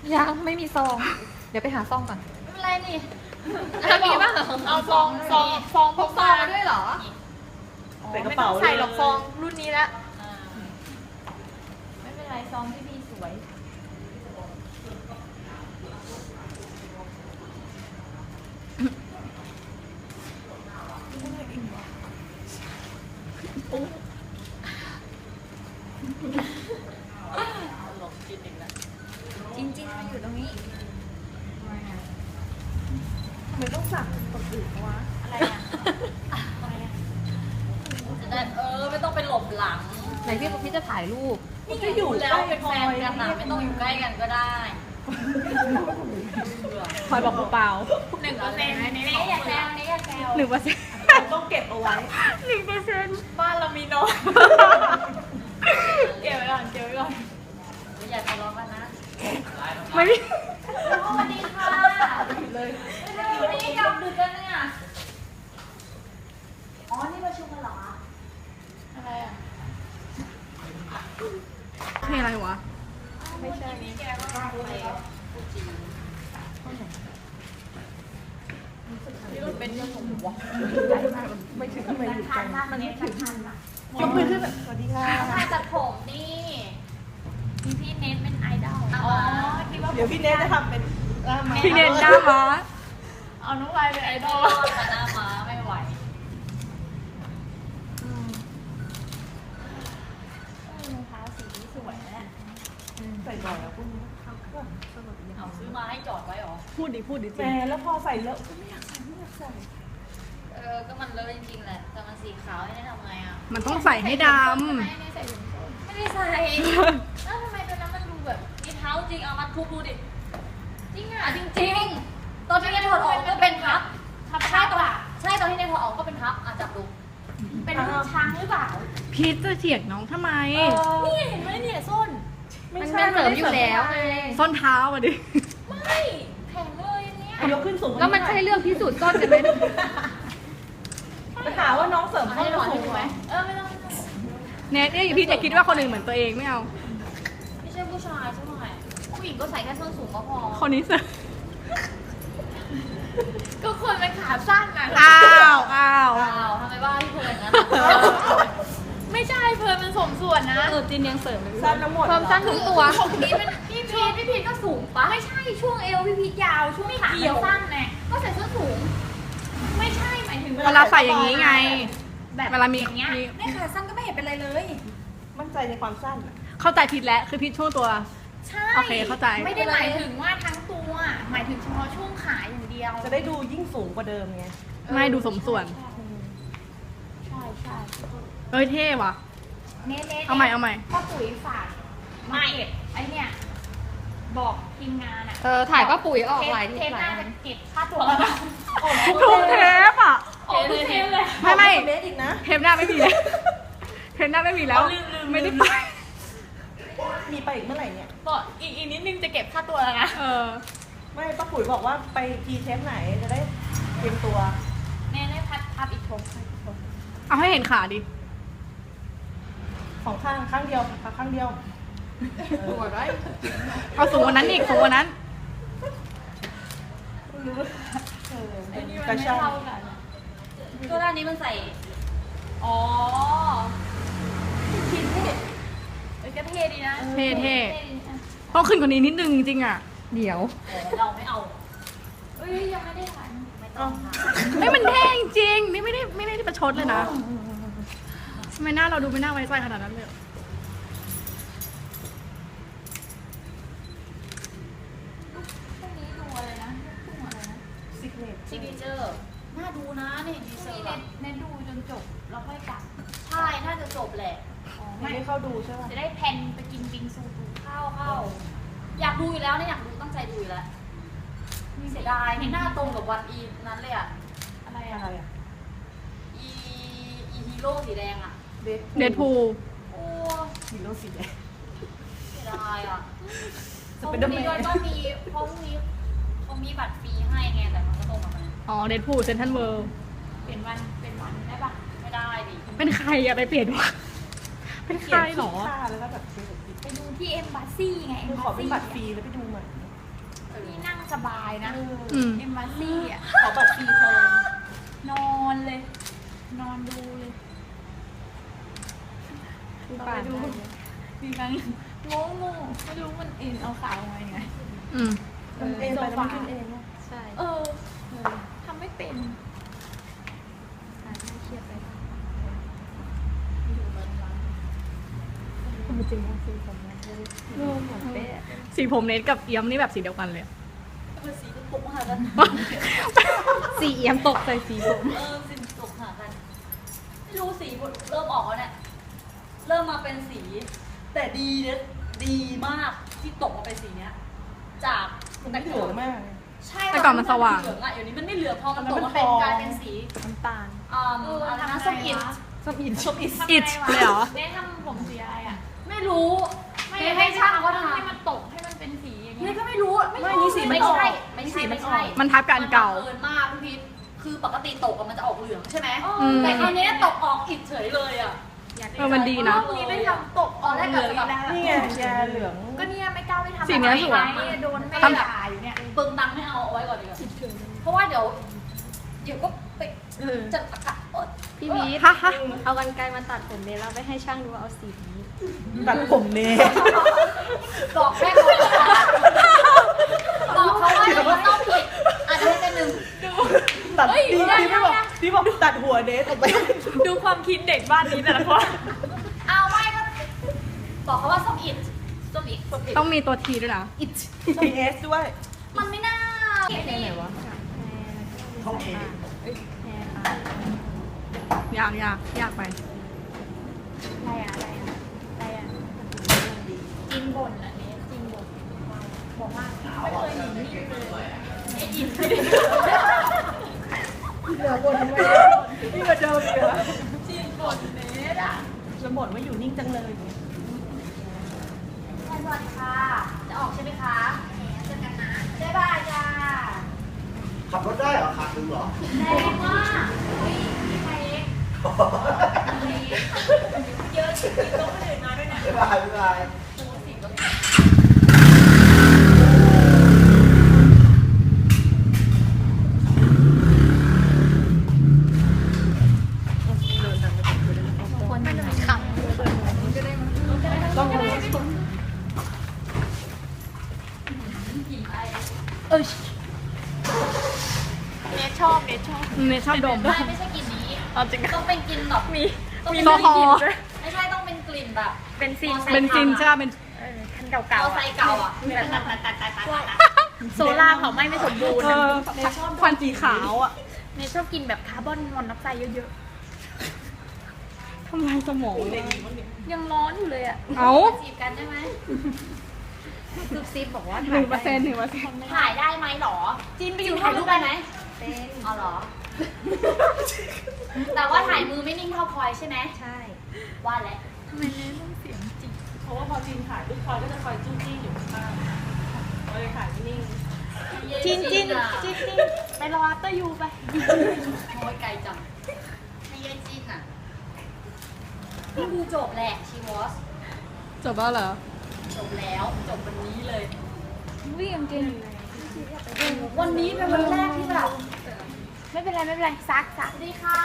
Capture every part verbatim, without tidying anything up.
ยังไม่มีซอง เดี๋ยวไปหาซองก่อนไม่เป็นไรนี่มีบ้างเหรอเอาซองซองซองพกซอมางด้วยเหรอใส่กระเป๋าไม่ต้องใส่หรอกซองรุ่นนี้ละอ่าไม่เป็นไรซองที่พี่สวยหลงกินอีกแล้วจริงๆมันอยู่ตรงนี้ทำไมต้องสั่งคนอื่นวะอะไรอ่ะอะไรอ่ะจะได้เออไม่ต้องไปหลบหลังไหนพี่พี่จะถ่ายรูปมันจะอยู่แล้วเป็นแฟนกันนะไม่ต้องอยู่ใกล้กันก็ได้คอยบอกเปล่าหนึ่งเปอร์เซ็นต์นี่อย่าแซวนี่อย่าแซวหนึ่งเปอร์เซ็นต์ต้องเก็บเอาไว้หนึ่งเปอร์เซ็นต์บ้านเรามีน้อยเก็บไว้ก่อนเก็บไว้ก่อนอย่าทะเลาะกันนะไม่สวัสดีค่ะเลยวันนี้กลับดึกกันเนี่ยอ๋อนี่ประชุมกันเหรออะไรอ่ะเพลงอะไรวะไม่ใช่นี่แกก็ไปพูดจีนนี่มันเป็นเรื่องของหัวไม่ถึงทำไมอยู่ไกลมันนี่ทันทันอ่ะยกมือขึ้นแบบสวัสดีค่ะถ่ายตัดผมนี่มีพี่เนทเป็นไอดอลอ๋อคิดว่าเดี๋ยวพี่เนทจะทำเป็นหน้าม้าพี่เนนหน้าม้าเอาน้องวายเป็นไอดอลแต่หน้าม้าไม่ไหวรองเท้าสีนี้สวยนะใส่บ่อยแล้วพวกนี้สนุกดีเอาซื้อมาให้จอดไว้หรอพูดดิพูดดิแหมแล้วพอใส่เลอะก็ไม่อยากใส่ไม่อยากใส่เออ ก็มันเลอะจริงๆแหละ แต่มันสีขาวให้ได้ทำไงอ่ะมันต้องใส่ให้ดไม่ได้ใส่ถุงส้นไม่ได้ใส่ แล้วทำไมตัวนั้นมันดูแบบมีเท้าจริง เอามาทุบดูดิ จริงอ่ะ จริงๆ ตอนที่ในถอดออกก็เป็นพับพับใช่ตอนใช่ตอนที่ในถอดออกก็เป็นพับอ่ะจับดู เป็นรูปช้างหรือเปล่าำพีทจะเถียงน้องทำไมนี่เห็นไหมเนี่ยส้นไม่มันใช่เป็นเสริมอยู่แล้วไง ส้นเท้าอ่ะดิไม่แข็งเลยอันเนี่ยยกขึ้นสูงแล้วมันใช่เรื่องพิสูจน์ส้นกันไหมไปหาว่าน้องเสริมให้ข้อหนอนสูดูงไหไหมมเออไม่ต้องไม่ต้องเนทเนี่ยพี่จะคิดว่าคนอื่นเหมือนตัวเองไม่เอาไม่ใช่ผู้ชายใช่ไหมผู้หญิงก็ใส่แค่ส้นสูงก็พอคนนี้เสริมก็คนเป็นขาสั้นนะอ้าวอ้าวอ้าวทำไมว่าพี่เพลินนะ ไม่ใช่เพลินมันสมส่วนนะเออจินยังเสริมเลยสั้นทั้งหมดเพิ่มสั้นทุกตัวของพี่มันพี่พีทพี่พีทก็สูงปะไม่ใช่ช่วงเอวพี่พีทยาวช่วงขามันสั้นไงก็ใส่ส้นสูง ไม่ใช่หมายถึงเวลาใส่อย่างนี้ไงแบบเวลามีอย่างเงี้ยในขาสั้นก็ไม่เห็นเป็นไรเลยมั่นใจในความสั้นอะเข้าใจผิดแล้วคือผิดช่วงตัวใช่โอเคเข้าใจไม่ได้หมายถึงว่าทั้งตัว หมายถึงเฉพาะช่วงขาอย่างเดียวจะได้ดูยิ่งสูงกว่าเดิมไงไม่ดูสมส่วนใช่ใช่เอ้ยเท่ว่ะเน้นๆเอาใหม่เอาใหม่ป้าปุ๋ยฝากไม่ไอเนี่ยบอกทีมงานอะเออถ่ายป้าปุ๋ยออกหลายเททีปหหลาน้ายอัจะนเก็บค่าตัวแล้วนะทุกเทปอ่ะออกทุกเทปเลยไม่ไม่เนทอีกนะเทปหน้าไม่มีแล้วเทปหน้าไม่มีแล้วลืมลืมไม่ได้ลืมไปมีไปอีกเมื่อไหร่เนี่ยบอกอีกอีกนิดนึงจะเก็บค่าตัวแล้วนะเออไม่ป้าปุ๋ยบอกว่าไปกีเทปไหนจะได้เตรียมตัวแน่ได้พัดพับอีกทงเอาให้เห็นขาดิของข้างข้างเดียวค่ะข้างเดียวตัวไรเอาสูงกว่านั้นอีกสูงกว่านั้นเออไอ้เป็นนี่มันกระไม่ชับเท่ากันตัวด้านนี้มันใส่ อ๋อคิดเท่เอ้ยก็เท่ดีนะเท่เท่ดีนะต้องขึ้นกว่านี้นิดนึงจริงๆอ่ะ เดี๋ยวเออเราไม่เอาเอ้ยยังไม่ได้ถ่ายไม่ต้องค่ะไม่มันเท่จริงๆนี่ไม่ได้ไม่ได้ประชดเลยนะทำไมหน้าเราดูไม่น่าไว้ใจขนาดนั้นเลยพวกนี้ดูอะไรนะพวกอะไรนะซิกเนตซิกเนเจอร์น่าดูนะนี่ดีเซอร์แบบเน้นดูจนจบแล้วค่อยกลับ ใช่น่าจะจบแหละอ๋อไม่ไม่ได้เข้าดูใช่ป่ะจะได้แพนไปกินบิงซูดูข้าวเข้าอยากดูอยู่แล้วนะอยากดูตั้งใจดูอยู่แล้วเสียดายนี่หน้าตรงกับวันอีนั้นเลยอะอะไรอะอะไรอะอีอีฮีโร่สีแดงอะเดทเดดพูลโอ้ฮีโร่สีแดงเสียดายอะสพไปรุ่งเดอร์แมนี้นด้วยก็มีเพราะพรุ่งนี้เขามีบัตรฟรีให้ไงแต่มันก็ตรงกับมันอ๋อเดดพูลเซนทันเวิลด์เปลี่ยนวันเป็นวันได้ปะไม่ได้ดิเป็นใครอะไปเปลี่ยนวะเป็นใครหรอค่าแล้วก็แบบซื้อไปดูที่เอ็มบาซี่ไงคือขอเป็นบัตรฟรีแล้วไปดูใหม่ไนี่นั่งสบายนะอืมเอ็มบาซี่อ่ะขอบัตรฟรีแทนนอนเลย นอนดูเลยไปดูมีครั้งงงงๆไม่รู้มันเอ็นเอาขาลงมายังไงอืมมันเองไปแล้วมันขึ้นเองนะใช่ เออทำไม่เป็นเครียดไปจริงๆสีผมมันงงเหมือนเป๊ะสีผมเนทกับเอี้ยมนี่แบบสีเดียวกันเลยอะคือสีตกหากันสีเอี้ยมตกใส่สีผมเออสีตกหากัน ไม่รู้สีเริ่มออกแล้วเนี่ย เริ่มมาเป็นสี แต่ดีเนี่ยดีมากที่ตกมาเป็นสีเนี้ย จากมันไม่เหลืองมากใช่แต่ก่อนมันสว่างเหลืองอ่ะเดี๋ยวนี้มันไม่เหลืองพอมันตกมันมาเป็นทองกลายเป็นสีน้ำตาลอ่าอะไรนะส้มอิดส้มอินส้มอินอิดเลยเหรอเนททำผมสีอะไรอ่ะไม่รู้ไม่เนให้ช่างเขาทำให้มันตกให้มันเป็นสีอย่างนี่เงี้ยก็ไม่รู้ไม่นี่สีไม่ออกใช่ไม่ใช่นี่สีไม่อใช่อกมันทับกับอันเก่ามันบังเอิญมากพี่พีทคือปกติตกอะมันจะออกเหลืองใช่ไหมอืมแต่คราวเนี้ยตกออกอิดเฉยเลยอ่ะเออมันดีนะรอบนี้ไม่ทำตกออกแรกกับแบบนี่ไงยาเหลืองก็เนี่ยไม่กล้าไปทำสีเนี้ยสวยไโดนไม่ทำด่าอยู่เนี่ยเปิงตังค์ไม่เอาเอาไว้ก่อนดีกว่าเพราะว่าเดี๋ยวเดี๋ยวก็ไปจะอากาศอดพี่พีทฮะฮะเอากันไกรมาตัดผมเลยแล้วไปให้ช่างดูว่าเอาสีนี้ตัดผมเนทบอกแม่ก่อนบอกเขาว่าเราต้องผิดอาจจะให้เป็นหนึ่งตัดดีดีไม่บอกดีบอกตัดหัวเนทออกไปดูความคิดเด็กบ้านนี้แต่ละคนเอาไม่ก็บอกเขาว่าส้มอิดส้มอิดส้มอิดต้องมีตัวทีด้วยนะอิดมีเอสด้วยมันไม่น่าเก็บนี่ท้องเองยากยากยากไปอะไรอะอะไรอะอะไรอะจินบ่นอ่ะเนทจินบ่นบอกว่าไม่เคยหนีนิ่งเลยไอ้อินเหลือบนไว้นี่ก็เดิมอีกเหรอจินบ่นเนทอ่ะจะบ่นว่าอยู่นิ่งจังเลยสวัสดีค่ะ จะออกใช่ไหมคะเจอกันนะบ๊ายบายจ้าขับรถได้เหรอขับถึงเหรอแรงมากเฮ้ยมีใครเองเยอะจริงๆต้องคนอื่นมาด้วยนะบ๊ายบายบ๊ายบายตัวสิบก็คนมันขำต้องเนทชอบเนทชอบเนทชอบดมไม่ไม่ใช่กลิ่นนี้เอาจริงต้องเป็นกลิ่นแบบมีมีแอลกอฮอล์ไม่ใช่ต้องเป็นกลิ่นแบบเป็นซีนมอไซค์เบนซินใช่ป่ะเป็นเออคันเก่เก่าาๆไซอะค์เก่าอ่ะแบบตัดตัดตัดตัดตัดตัดโซล่าเผาไหม้ไม่สมบูรณ์เออควันสีขาวอ่ะเนทชอบกินแบบคาร์บอนมอนอกไซด์เยอะทำลายสมองๆ ยังร้อนอยู่เลยอ่ะเอาจีบกันได้ไหมซุบซิบบอกว่าหนึ่งเปอร์เซ็นต์หนึ่งเปอร์เซ็นต์ถ่ายได้ไหมหรอจีนไปไปออยู่ยู่ถ่ายรูปได้ไหมเป็นอ๋อเหรอ แต่ว่าถ่ายมือไม่นิ่งเท่าพลอยใช่ไหมใช่ว่าแหละทำไมเนทต้องเสียงจิกเพราะว่าพอจีนถ่ายลูกคอยก็จะคอยจู้จี้อยู่ข้างๆเลยถ่ายไม่นิ่งจีนจีนอ่ะจีนจีนไปรออัปเตอร์ยูไปโอ้ยไกลจังให้ยายจีนอ่ะนี่ดูจบแหละชีวอสจบแล้วเหรอจบแล้วจบวันนี้เลยวิ่งจริงวันนี้เป็นวันแรกที่แบบไม่เป็นไรไม่เป็นไรซักซักสวัสดีค่ะ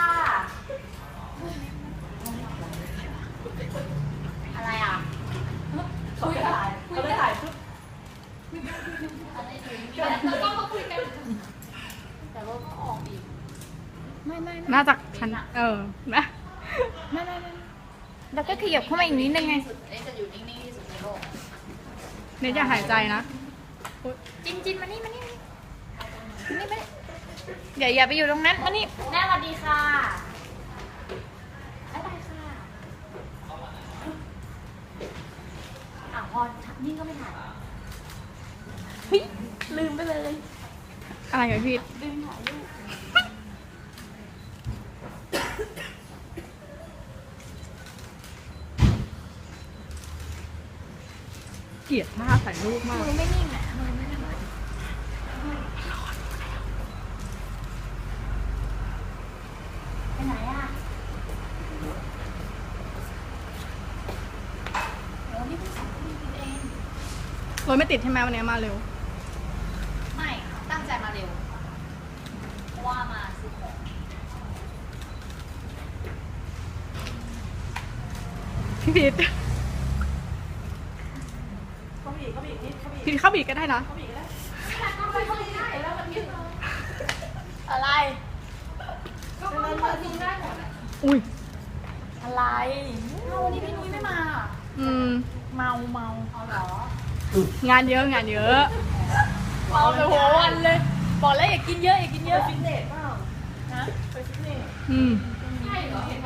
อะไรอ่ะเขาจะถ่ายเขาจะถ่ายปุ๊บอะไรอยู่แล้วก็มาคุยกัน แต่ว่าก็ออกอีกไม่ไม่ไม่น่าจะฉันเออนะไม่ไม่ไม่แล้วก็ขยับเข้ามาอีกนิดนึงไงสุดเอ๊ะจะอยู่นิ่งๆที่สุดในโลกเนทอย่าหายใจนะจินจินมานี่มานี่มานี่มานี่อย่าอย่าไปอยู่ตรงนั้นมานี่แม่สวัสดีค่ะบ๊ายบายค่ะอ่ะพอนิ่งก็ไม่ถ่ายเฮ้ยลืมไปเลยอะไรเหรอพี่ลืมถ่ายรูปเกลียดท่าถ่ายรูปมากมือไม่นิ่งอ่ะมือไม่นิ่งไปไหนอ่ะโอ้นี่เพิ่งสองปีเองรถไม่ติดใช่ไหมวันนี้มาเร็วพี่พีทเขาบีบเขาบีบนิดเขาบีบพีทเข้าบีกก็ได้นะเขาบีบก็ได้อะไรอุ้ยอะไรเอาวันนี้พี่นุ้ยไม่มาอืมเมาเมาเอาเหรองานเยอะงานเยอะเมาไปหัววันเลย บอกแล้วอย่ากินเยอะอย่ากินเยไปอะฟิตเนสเปล่านะไปฟิตเนสอืมใช่เหรอเขา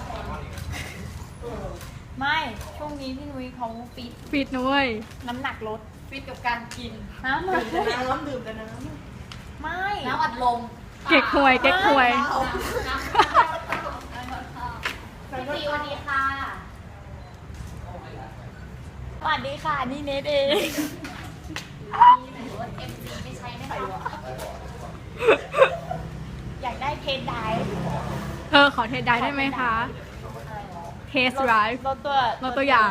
ไม่ช่วงนี้พี่นุ้ยเขาฟิตฟิตนะเว้ยน้ำหนักลดฟิตกับการกินน้ำหนัดื่กมลแต่ดน้ำดื่มแต่น้ไม่น้ำอัดลมเก๊กหวย เก๊กหวยพี่ตีวันนี้ค่ะสวัสดีค่ะนี่เนทเองหรือว่าเอ็มซีไม่ใช่ไหมคะอยากได้เทนไดฟ์เออ ขอเทสได้ได้ไหมคะ เทสไรฟ์รถตัวรถตัวอย่าง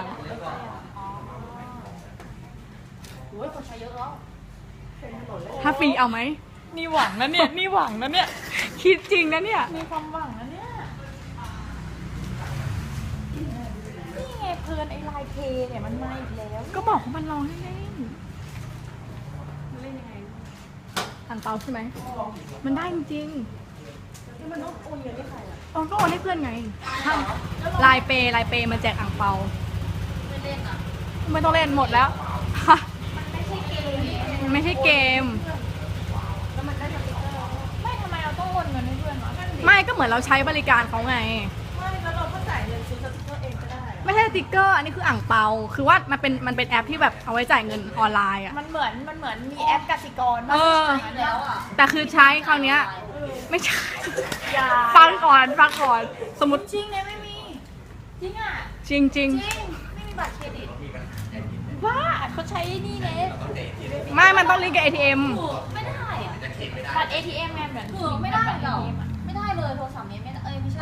โอ้ยคนใช้เยอะแล้วถ้าฟรีเอาไหมนี่หวังนะเนี่ยนี่หวังนะเนี่ยคิดจริงนะเนี่ยมีความหวังนะเนี่ยนี่ไงเพลินไอ้ลายเทเนี่ยมันมาอีกแล้วก็บอกว่ามันลองเล่นๆเล่นยังไงทางเตาใช่ไหม มันได้จริงำมันต้องโอนเงินให้ใครอ่ะๆอ๋อก็โอนให้เพื่อนไงทำลายเปย์ลายเปย์มาแจกอ่างเปาไม่เล่นอ่ะไม่ต้องเล่นหมดแล้ว มันไม่ใช่เกมไม่ทำไมเราต้องโอนเงินให้เพื่อนวะไม่ก็เหมือนเราใช้บริการเขาไงไม่แล้วเราก็จ่ายเงินซื้อสติ๊กเกอร์เองก็ได้ไม่ใช่สติ๊กเกอร์ อันนี้คืออ่างเปา คือว่ามันเป็นมันเป็นแอปที่แบบเอาไว้จ่ายเงินออนไลน์อ่ะมันเหมือนมันเหมือนมีแอปกสิกรเออแล้วอ่ะแต่คือใช้คราวเนี้ย ไม่ใช่อย่าฟังก่อนฟังก่อน สมมติจริงเนี่ยไม่มี จริงอ่ะจริงจริงจริงไม่มีบัตรเครดิตว่าเขาใช้นี่เนทๆไม่มันต้องลิงก์กับ เอ ที เอ็มไม่ได้อ่ะบัตร เอ ที เอ็มไงเหมือนถือไม่ได้เหรอไม่ได้เลยโทรศัพท์นี้ไม่ได้เอ้ยไม่ใช่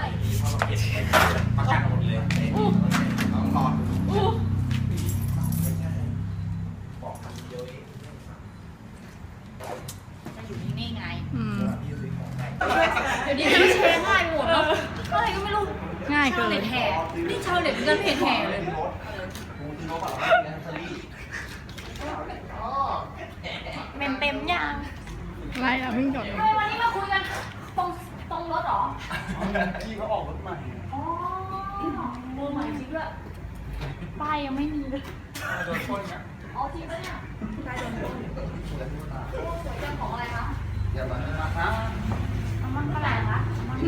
จะอยู่นี่ไงอืมเดี๋ยวนี้มันแชร์ง่ายหมดเนาะอะไรก็ไม่รู้ง่ายเกิชาวน เน็ตแห่นี่ชาวเน็ตเงินเพจแห่เลยอ๋อเมมเต็มยังอะไรอ่ะเพิ่งจดทำไมวันนี้มาคุยกันตรงตรงรถเหรอพี่เขาออกรถใหม่อ๋อมือใหม่จริงด้วยป้ายยังไม่มีเลยโดนคนเนี่ยอ๋อจริงปะเนี่ยใช่โดนคนโอ้สวยจังของอะไรคะอย่ามานะครัเอามันเท่าไหร่คะเอามัน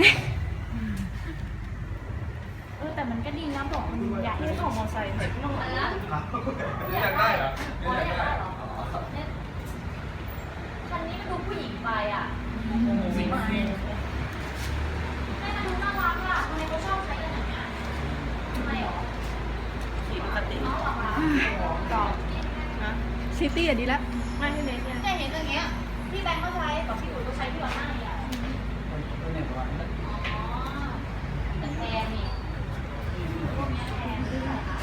เออแต่มันก็ดีนะบอกมันใหญ่ที่ของมอไซค์เห็นที่ต้องอะไรนะอยากได้เหรออ๋ออยากได้เหรอเนี่ยคันนี้มันดูผู้หญิงไปอ่ะสิบปีให้มันดูน่ารักอ่ะทำไมเขาชอบใช้กันอย่างเงี้ยทำไมหรอขี่ปกติน้องเหรอคะก่อนนะซิตี้อ่ะดีแล้วไม่ให้เน้นเนี่ยเนี่ยเห็นอย่างเงี้ยพี่แบงค์ก็ใช้กับพี่อุ๋ยก็ใช้พี่วันหน้าใหญ่อ๋อแต่แพงนี่พวกเนี้ยแพงซื้อไหนคะ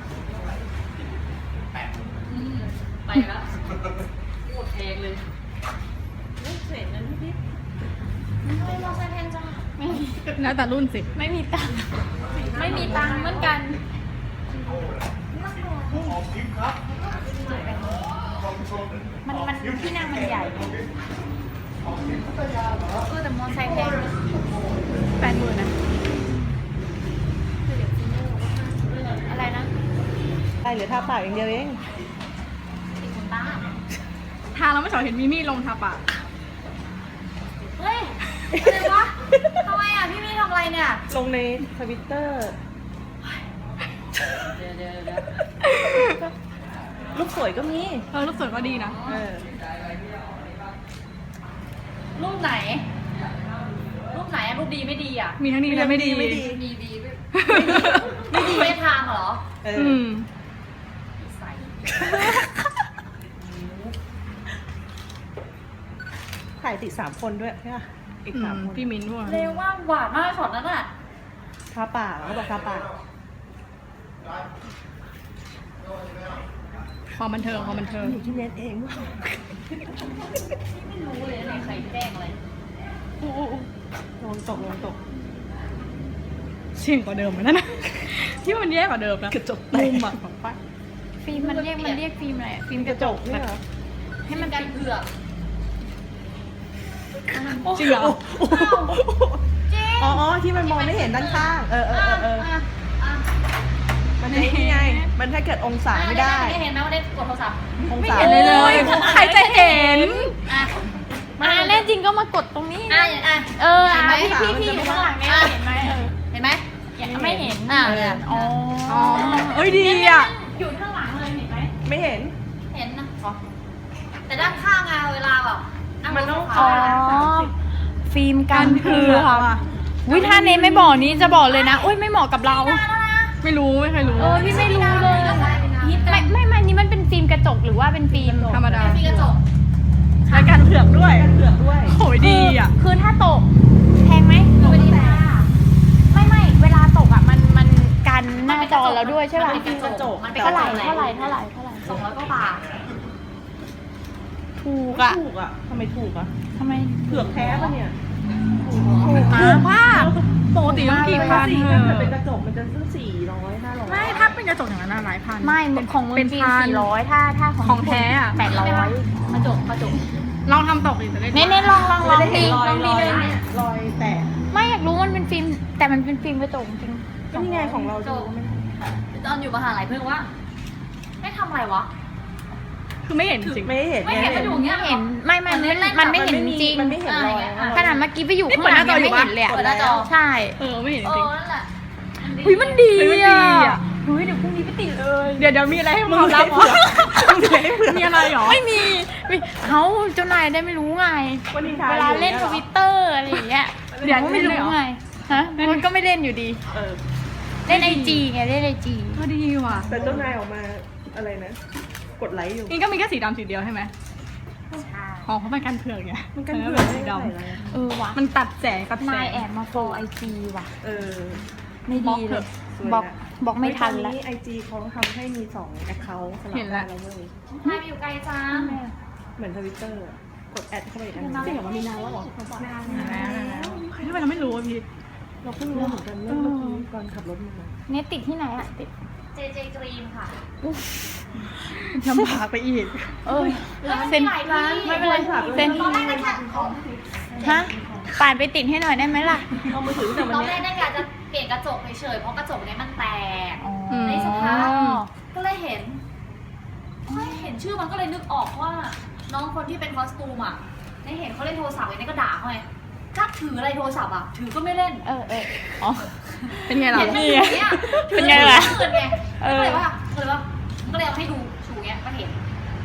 อืมไปแล้วโคตรแพงเลยลูกเสร็จนั้นพี่ทำไมมอเตอร์ไซค์แพงจังไม่มีแล้วแต่รุ่นสิไม่มีตังค์ไม่มีตังค์เหมือนกัน มันมันที่นั่งมันใหญ่ไงเออแต่มอไซค์แพงแปดหมื่นนะอะไรนะได้เหลือทาปากอย่างเดียวเองติดคนบ้าทางเราไม่ชอบเห็นมิมี่ลงทาปากเฮ้ยอะไรวะทำไมอ่ะพี่มี่ทำอะไรเนี่ยลงในทวิตเตอร์เดี๋ยวเดี๋ยวเดี๋ยวลูกสวยก็มีเออรูปสวยก็ดีนะเออรูปไหน รูปไหนอะรูปดีไม่ดีอ่ะมีทั้งดีและไม่ดีไม่ดีมีดีด้วยไม่ดีไม่ทางเหรอเออือมใส่ถ่ายติดสามคนด้วยใช่ป่ะอีกอืสามมคนพี่มิ้นท์ด้วยเร็วมากหวานมากช็อตนั้นอ่ะทาปากเขาบอกทาปากความบันเทิงความบันเทิงอยู่ที่เน็ตเองไม่รู้เลยในใครแจ้งอะไรอู้อู้อู้ลงตกลงตกเสี่ยงกว่าเดิมเหมือนกันนะ ที่มันแย่กว่าเดิมนะกระจกมุมอะของป้าฟิล์มมันเรียกมันเรียกฟิล์มอะไรอะฟิล์มกระจกนี่เหรอให้มันกันเผือกจริงเหรออ๋ออ๋อที่มันมองไม่เห็นด้านข้าง เออเออเออเอออ่ะอ่ะมันนี่ไง มันถ้าเกิดองศาไม่ได้เห็นไหมว่าได้กดโทรศัพท์องไม่ศาเห็นเลยเลย ใครจะเห็นอ่ะมาแน่จริงก็มากดตรงนี้อ่ะอ่ะเออเห็นไหมพี่พี่ที่อยู่ข้างหลังเนี่ยเห็นไหมเออเห็นไหมไม่เห็นอ่ะอ๋ออ๋อเอ้ยดีอ่ะอยู่ข้างหลังเลยเห็นไหมไม่เห็นเห็นนะแต่ด้านข้างอะเวลาแบบงมันต้องรถไฟอ๋อฟ้าฟิล์มกันเผือกวิถ้าเน้นไม่บอกนี้จะบอกเลยนะอุ้ยไม่เหมาะกับเราไม่รู้ไม่เคยรู้เออพี่ไม่รู้เลยไม่ไม่ไม่นี่มันเป็นฟิล์มกระจกหรือว่าเป็นฟิล์มธรรมดามีกระจกแล้วกันเผือกด้วยเผือกด้วยโหยดีอ่ะคือถ้าตกแพงไหมไม่ได้แปลไม่ไม่เวลาตกอ่ะมันมันกันหน้าจอเราด้วยใช่ป่ะมันเป็นกระจกมันเป็นกเท่าระไหร่จกเท่าไหร่เท่าไหร่เท่าไหร่สองร้อยกว่าบาทถูกอ่ะถูกอ่ะทำไมถูกอ่ะทำไมเผือกแท้ปะเนี่ยถูกถูกมากปกติต้องกี่พันสีเอถ้าอเกิดเป็นกระจกมันจะซื้อสี่ร้อยห้าร้อยไม่ถ้าเป็นกระจกอย่างนั้นอะหลายพันไม่ของมึงเป็นฟิล์พัมนสี่ร้อยถ้าถ้าของของแท้อะแปดร้อยกระจกกระจกลองทำตกดิจะได้เน้นเน้นลองลองลไม่องได้เห็ดีนรอยลองรดีอยเลยเนี่ยรอยแตกไม่อยากรู้มันเป็นฟิล์มแต่มันเป็นฟิล์มกระจกจริงก็นี่ไงของเราดูไม่ตอนอยู่มหาลัยเพิ่งว่าไม่ทำอะไรวะคือไม่เห็นจริงไม่เห็นไม่เห็นมันอยู่อย่างเงี้ยไม่เห็นไม่ไม่มันมันไม่เห็นจริงมันไม่เห็นรอยขนาดเมื่อกี้ไปอยู่ข้างหลังยังไม่เห็นเลยอะเปิดหน้าจอใช่เออไม่เห็นเอจริงอนั่นแหละเฮ้ยมันดีเฮ้ยมันดีอ่ะอะเฮ้ยเดี๋ยวพรุ่งนี้ไปติดเลยเดี๋ยวเดี๋ยวมีอะไรให้มึมึงงรัรับบ เหรเหรออมึงเลยเผือกมีอะไรเหรอไม่มีไม่เขาเจ้านายได้ไม่รู้ไงวันนี้ทายเวลาเล่นอยู่ทยหรอวิตเตอร์อะไรอย่างเงี้ยเดี๋ยวก็ไม่รู้ไงฮะมันก็ไม่เล่นอยู่ดีเออเล่นไอจีไงเล่นไอจีก็ดีว่ะแต่เจ้านายออกมาอะไรนะ กดไลค์อยู่นี่ก็มีแค่สีดำสีเดียวใช่ไหมใช่อ๋อเพราะมันกันเผือกไงมันกันอเผืออกสีได้ดเท่าไหร่แล้วเออว่ะำมันตัดแสงตัดแสนายงแอบมาโฟไอจีว่ะเออไม่ดีเลยสวยนะบอกบอกไม่ทันแล้วไอจีเขาทำให้มีสองแอคเคาท์สลับเห็นแล้วได้แล้วเว้ยนายไปอยู่ไกลจังเหมือนทวิตเตอร์กดแอดเข้าไปอีกอันหนึงจริงเหรอมันมีนานแล้วเหรอ นานแล้วใครทำไมเราไม่รู้อะพี่เราเพิ่งรู้เหมือนกันเมื่อเมื่อกี้ก่อนขับรถมาเน็ตติดที่ไหนอะติดเจเจกรีมค่ะลำบากไปอีกเออแล้วมันเซ็นมีหลายร้านไม่เป็นไรเซ็นตอนแรกนะแค่ของฮะป่านไปติดให้หน่อยได้ไหมล่ะเอามือถือแต่วันตอนเนี้แรยกน่าจะเปลี่ยนกระจกเฉยๆเพราะกระจกเนี้ยมันแตกอ๋อในสภาพ ก็เลยเห็นเฮ้ยเห็นชื่อมันก็เลยนึกออกว่า น้องคนที่เป็นคอสตูมอ่ะในเห็นเขาเล่นโทรศัพท์ไอ้นี่ก็ด่าเขาไงกักถืออะไรโทรศัพท์อ่ะ ถือก็ไม่เล่นเออเอออ๋อเป็นไงล่ะเห็นมันอยู่อย่างเงี้ยเป็นไงล่ะถือไงเอก็อเลยว่าก็เลยว่าก็เลยเอาให้ดูชูเงี้ยก็เห็น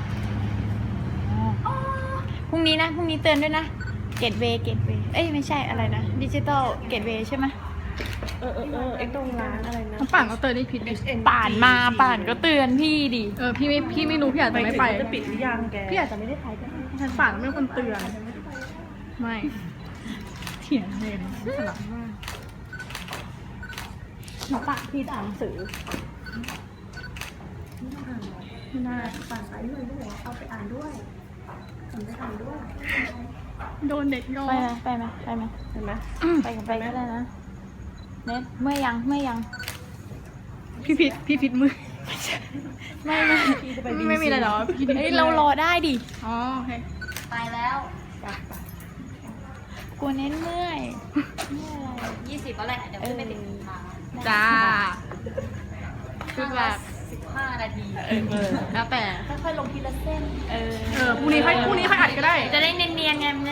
พรุ่งนี้นะพรุ่งนี้เตือนด้วยนะเกตเวย์เกตเวย์เอ้ยไม่ใช่อะไรนะดิจิตอลเกตเวย์ใช่ไหมเออเออเออไอ้ตรงร้านอะไรนะน้ำป่านก็เตือนนี่ผิดดิป่านมาป่านก็เตือนพี่ดิเออพี่ไม่พี่ไม่รู้พี่อาจจะไม่ไปถึงจะปิดหรือยังแกพี่อาจจะไม่ได้ไปก็ได้ฉันป่านไม่เป็นคนเตือน ไม่ เถียงเลยนะฉลาดมากหนูป่านพี่อ่านหนังสือไม่น่าป่านไปเลยไม่บอกเอาไปอ่านด้วยทำไปอ่านด้วยโดนเด็กยอไปไหมไปไหมไปไหมเห็นไหมไปกับไปก็ได้นะเน็ตเมื่อยยังเมื่อยยังพี่พิษพี่พิษมือไม่ไม่พี่จะไปบิไม่มีอะไรหรอพี่พิษเฮ้ยเรารอได้ดิอ๋อโอเคไปแล้วกลัวเน้นเมื่อยเมื่อยอะไรยี่สิบแล้วแหละเดี๋ยวขึ้นไปติดทางจ้าคือแบบสิบห้านาทีเออเออแล้วแต่ค่อยๆลงทีละเส้นเออเออพรุ่งนี้ค่อยพรุ่งนี้ค่อยอัดก็ได้จะได้เนียนๆไง